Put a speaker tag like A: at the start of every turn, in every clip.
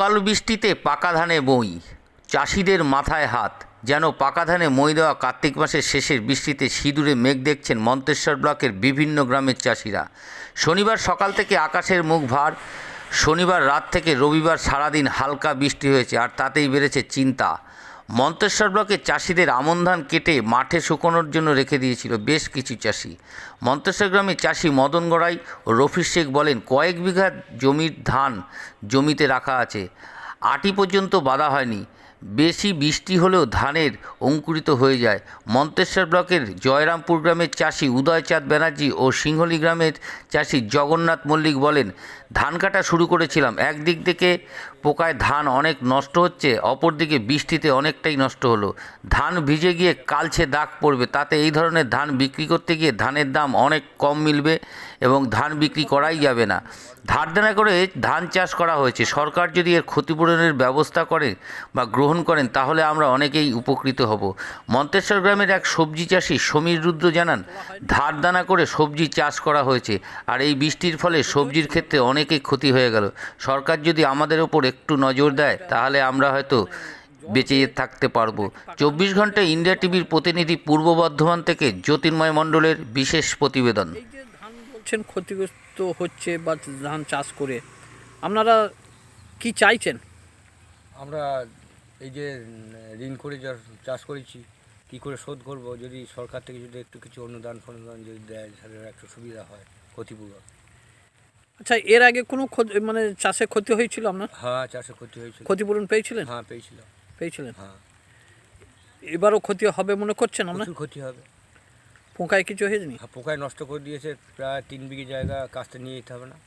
A: অকাল বৃষ্টিতে পাকা ধানে মই, চাষিদের মাথায় হাত। যেন পাকা ধানে মই দেওয়া কার্তিক মাসের শেষের বৃষ্টিতে সিঁদুরে মেঘ দেখছেন মন্তেশ্বর ব্লকের বিভিন্ন গ্রামের চাষিরা। শনিবার সকাল থেকে আকাশের মুখ ভার। শনিবার রাত থেকে রবিবার সারাদিন হালকা বৃষ্টি হয়েছে, আর তাতেই বেড়েছে চিন্তা। মন্তেশ্বর ব্লকের চাষিদের আমন ধান কেটে মাঠে শুকোনোর জন্য রেখে দিয়েছিল বেশ কিছু চাষি। মন্তেশ্বর গ্রামের চাষি মদন গড়াই ও রফিক শেখ বলেন, কয়েক বিঘা জমির ধান জমিতে রাখা আছে, আটি পর্যন্ত বাঁধা হয়নি। বেশি বৃষ্টি হলেও ধানের অঙ্কুরিত হয়ে যায়। মন্তেশ্বর ব্লকের জয়রামপুর গ্রামের চাষি উদয়চাঁদ ব্যানার্জি ও সিংহলী গ্রামের চাষি জগন্নাথ মল্লিক বলেন, ধান কাটা শুরু করেছিলাম, একদিক থেকে পোকায় ধান অনেক নষ্ট হচ্ছে, অপরদিকে বৃষ্টিতে অনেকটাই নষ্ট হলো। ধান ভিজে গিয়ে কালচে দাগ পড়বে, তাতে এই ধরনের ধান বিক্রি করতে গিয়ে ধানের দাম অনেক কম মিলবে এবং ধান বিক্রি করাই যাবে না। ধার দেনা করে ধান চাষ করা হয়েছে, সরকার যদি এর ক্ষতিপূরণের ব্যবস্থা করে বা গ্রহণ করেন তাহলে আমরা অনেকেই উপকৃত হব। মন্তেশ্বর গ্রামের এক সবজি চাষি সমীর রুদ্র জানান, ধার দানা করে সবজি চাষ করা হয়েছে, আর এই বৃষ্টির ফলে সবজির ক্ষেত্রে অনেকেই ক্ষতি হয়ে গেল। সরকার যদি আমাদের ওপর একটু নজর দেয় তাহলে আমরা হয়তো বেঁচে থাকতে পারবো। 24 ঘন্টায় ইন্ডিয়া টিভির প্রতিনিধি পূর্ব বর্ধমান থেকে জ্যোতির্ময় মণ্ডলের বিশেষ প্রতিবেদন।
B: এই যে ধান বলছেন ক্ষতিগ্রস্ত হচ্ছে বা ধান চাষ করে আপনারা কি চাইছেন?
C: আমরা এই যে ঋণ করে যা চাষ করেছি কী করে শোধ করব, যদি সরকার থেকে যদি একটু কিছু অনুদান ফনুদান যদি দেয় তাহলে একটু সুবিধা হয় ক্ষতিপূরণ।
B: আচ্ছা, এর আগে কোনো মানে চাষে ক্ষতি হয়েছিল আপনার?
C: হ্যাঁ, চাষে ক্ষতি হয়েছিল।
B: ক্ষতিপূরণ পেয়েছিলেন?
C: হ্যাঁ,
B: পেয়েছিলেন।
C: হ্যাঁ,
B: এবারও ক্ষতি হবে মনে করছেন আপনার?
C: প্রচুর ক্ষতি হবে।
B: পোকায় কিছু হয়েছে নি?
C: হ্যাঁ, পোকায় নষ্ট করে দিয়েছে, প্রায় 3 বিঘে জায়গা কাজটা নিয়ে যেতে হবে না।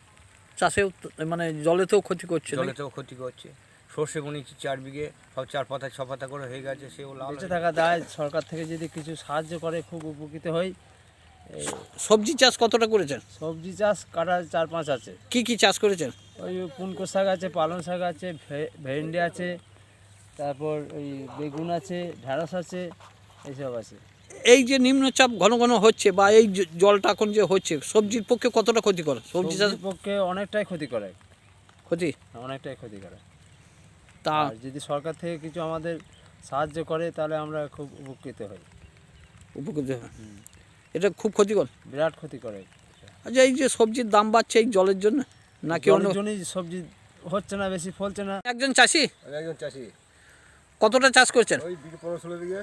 B: চাষেও মানে জলেতেও ক্ষতি করছে?
C: জলেতেও ক্ষতি করছে। সর্ষে বুনেছি 4 বিঘে, সব 4 পাতা 6 পাতা করে হয়ে গেছে, সেও লাভ
D: বেঁচে থাকা দায়। সরকার থেকে যদি কিছু সাহায্য করে খুব উপকৃত হই।
B: সবজি চাষ কতটা করেছেন?
D: সবজি চাষ কাটা 4-5 আছে।
B: কি কি চাষ করেছেন?
D: ওই পুনকো শাক আছে, পালং শাক আছে, ভেন্ডি আছে, তারপর ওই বেগুন আছে, ঢ্যাঁড়স আছে, এইসব আছে।
B: এই যে নিম্নচাপ ঘন ঘন হচ্ছে বা এই জলটা এখন যে হচ্ছে সবজির পক্ষে কতটা ক্ষতি করে? সবজি চাষ
D: সবজির পক্ষে অনেকটাই ক্ষতি করে,
B: ক্ষতি
D: অনেকটাই ক্ষতি করে।
B: তা
D: আর যদি সরকার থেকে কিছু আমাদের সাহায্য করে তাহলে আমরা খুব উপকৃত হই।
B: উপকৃত হয়। এটা খুব ক্ষতিকর,
D: বিরাট ক্ষতি করে।
B: আচ্ছা, এই যে সবজির দাম বাড়ছে এই জলের জন্য নাকি অন্য?
D: জলের জন্যই সবজি হচ্ছে না, বেশি ফলছে না।
B: একজন চাষি?
C: আমি একজন চাষি।
B: কতটা চাষ করছেন?
C: ওই 15-16 বিঘে।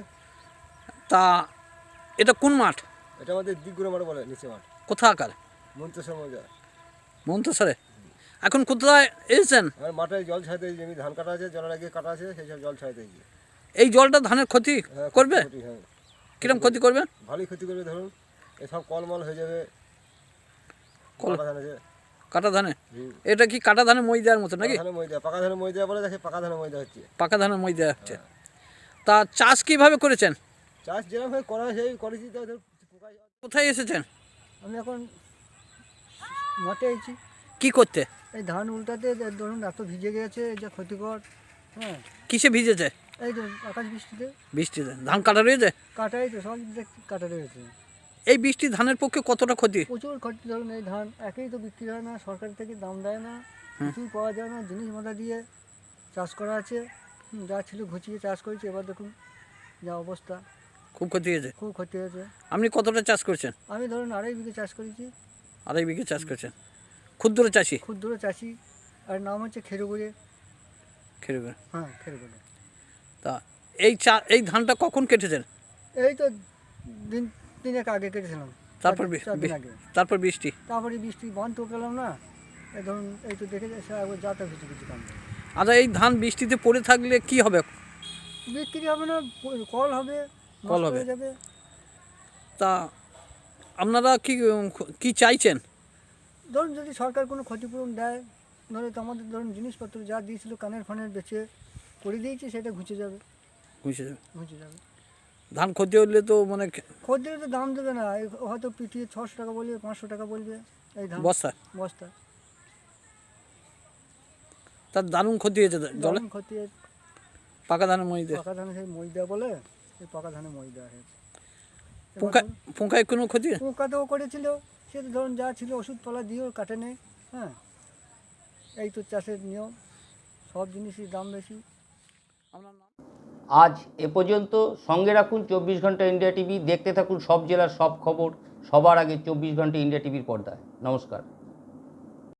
B: তা এটা কোন মাঠ?
C: এটা আমাদের দিকগুলো মাঠ বলে, নিচে মাঠ,
B: কোথাকার?
C: মন্তেশ্বর মৌজা।
B: মন্তেশ্বরে। এখন কোথায় এসেছেন?
C: আমার মাঠে জল ছাড়তে জমি ধান কাটা আছে, জলের আগে কাটা আছে, সেই সব জল ছাড়তে গিয়ে।
B: এই জলটা ধানের ক্ষতি করবে?
C: হ্যাঁ,
B: কিরম ক্ষতি করবে?
C: ভালোই ক্ষতি করবে। ধরুন এসব কলমল হয়ে যাবে।
B: কল-
C: পাকা ধান আছে।
B: কাটা ধানে? এটা কি কাটা ধানে মই দেওয়ার মতো নাকি?
C: ধানে ময়দা, পাকা ধানে ময়দা বলে, দেখে পাকা ধানে ময়দা হচ্ছে।
B: পাকা ধানে মই দেওয়া হচ্ছে। তা চাষ কিভাবে করেছেন?
C: চাষ যেরকম ভাবে করা সেই করেছি, তো পোকায়।
B: কোথায় এসেছেন?
E: আমি এখন মাঠে আছি
B: কি করতে?
E: এই ধান উল্টাতে। ধরুন এত ভিজে গেছে, যা ক্ষতিকর। হ্যাঁ,
B: কিসে ভিজেছে?
E: এই তো আকাশ বৃষ্টিতে
B: বৃষ্টিতে ধান কাটা রয়েছে?
E: কাটাই তো সব দেখছি কাটা রয়েছে।
B: এই বৃষ্টি ধানের পক্ষে কতটা ক্ষতি?
E: প্রচুর ক্ষতি। ধরুন এই ধান একেই তো বিক্রি হয় না, সরকার থেকে দাম দেয় না, কিছুই পাওয়া যায় না। জিনিস মাথা দিয়ে চাষ করা আছে, যা ছিল ঘুচিয়ে চাষ করেছি, এবার দেখুন যা অবস্থা।
B: খুব ক্ষতি হয়েছে।
E: খুব ক্ষতি হয়েছে।
B: আপনি কতটা চাষ করছেন?
E: আমি ধরুন 2.5 বিঘে চাষ করেছি।
B: 2.5 বিঘে চাষ করছেন। ক্ষুদ্র চাষি?
E: ক্ষুদ্র চাষি, আর নাম হচ্ছে খেরুগুড়ে।
B: খেরবে।
E: হ্যাঁ, খেরুগুড়ে।
B: তা এই ধানটা কখন কেটেছেন?
E: এই তো দিন 3 আগে কেটেছিলাম।
B: তারপর
E: 4 দিন আগে।
B: তারপর বৃষ্টি?
E: তারপরে বৃষ্টি বন্ধ তো পেলাম না। এই ধরুন এই তো দেখে যাচ্ছে একবার যাতা কিছু কিছু কাম নেই।
B: আচ্ছা, এই ধান বৃষ্টিতে পড়ে থাকলে কি হবে?
E: বিক্রি হবে না, কল হবে,
B: কল
E: নষ্ট
B: হবে।
E: হয়ে যাবে।
B: তা আপনারা কি চাইছেন?
E: ধরুন যদি সরকার কোনো ক্ষতিপূরণ দেয়, নাহলে তো আমাদের ধরুন জিনিসপত্র যা দিয়েছিল কানের ফানের বেচে করে দিয়েছি, সেটা ঘুচে যাবে।
B: বুঝে যাবে।
E: ঘুচে যাবে।
B: ধান ক্ষতি হলে তো মানে
E: খদ্দের তো দাম দেবে না, হয়তো পিটিয়ে 600 টাকা বলবে, 500 টাকা বলবে এই ধান
B: বস্তা।
E: বস্তা।
B: তার দারুণ ক্ষতি হয়েছে জলে।
E: দারুণ ক্ষতি হয়েছে।
B: পাকা ধানের মধ্যে
E: পাকা ধানে সেই মই দেওয়া বলে, এই পাকা ধানে মই দেওয়া হয়েছে।
B: পোকায় কোনো ক্ষতি?
E: পোকাতেও করেছিল, সে তো ধরুন যা ছিল ওষুধপালা দিয়েও কাটে নেই। হ্যাঁ, এই তো চাষের নিয়ম। সব জিনিসের দাম বেশি।
B: আপনার নাম?
A: আজ এ পর্যন্ত। সঙ্গে রাখুন 24 ঘন্টা ইন্ডিয়া টিভি। দেখতে থাকুন সব জেলার সব খবর সবার আগে 24 ঘন্টা ইন্ডিয়া টিভির পর্দায়। নমস্কার।